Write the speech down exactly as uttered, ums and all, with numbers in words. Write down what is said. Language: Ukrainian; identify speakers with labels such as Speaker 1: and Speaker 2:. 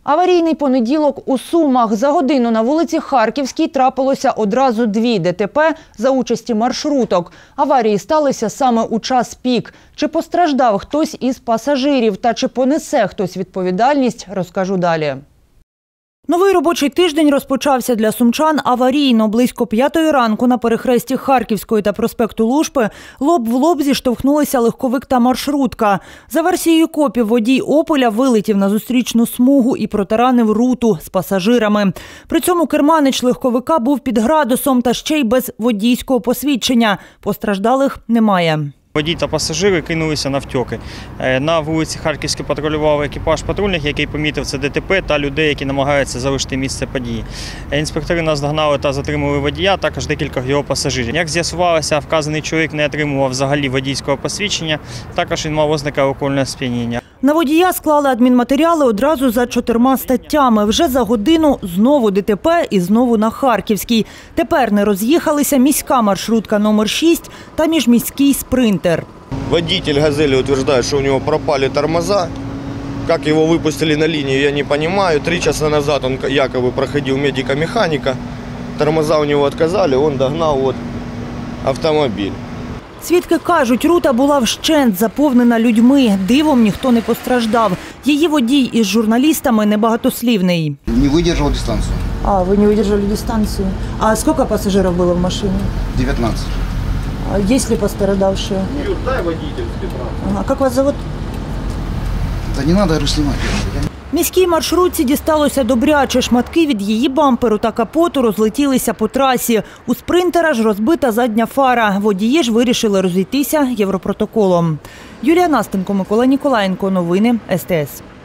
Speaker 1: Аварійний понеділок у Сумах. За годину на вулиці Харківській трапилося одразу дві ДТП за участі маршруток. Аварії сталися саме у час пік. Чи постраждав хтось із пасажирів та чи понесе хтось відповідальність, розкажу далі. Новий робочий тиждень розпочався для сумчан аварійно. Близько п'ятої ранку на перехресті Харківської та проспекту Лушпи лоб в лоб зіштовхнулися легковик та маршрутка. За версією копів, водій «Опеля» вилетів на зустрічну смугу і протаранив руту з пасажирами. При цьому керманич легковика був під градусом та ще й без водійського посвідчення. Постраждалих немає.
Speaker 2: Водій та пасажири кинулися навтьоки. На вулиці Харківській патрулював екіпаж патрульних, який помітив це ДТП та людей, які намагаються залишити місце події. Інспектори наздогнали та затримали водія, також декількох його пасажирів. Як з'ясувалося, вказаний чоловік не отримував взагалі водійського посвідчення, також він мав ознаки алкогольного сп'яніння.
Speaker 1: На водія склали адмінматеріали одразу за чотирма статтями. Вже за годину знову ДТП і знову на Харківській. Тепер не роз'їхалися міська маршрутка номер шість та міжміський спринтер.
Speaker 3: Водитель «Газели» утверждает, что у него пропали тормоза. Как его выпустили на линию, я не понимаю. Три часа назад он якобы проходил медико-механика. Тормоза у него отказали, он догнал вот автомобиль.
Speaker 1: Свідки кажуть, рута була вщент заповнена людьми. Дивом ніхто не постраждав. Її водій із журналістами небагатослівний.
Speaker 4: Не видержав дистанцію.
Speaker 1: А, ви не видержали дистанцію. А скільки пасажирів було в машині?
Speaker 4: дев'ятнадцять.
Speaker 1: А є ли пострадавшие?
Speaker 3: Юр, дай водитель с Петра.
Speaker 1: Ага. Как вас зовут?
Speaker 4: Та не треба розснімати.
Speaker 1: Міській маршрутці дісталося добряче. Шматки від її бамперу та капоту розлетілися по трасі. У спринтера ж розбита задня фара. Водії ж вирішили розійтися європротоколом. Юлія Настенко, Микола Ніколаєнко. Новини ес те ес.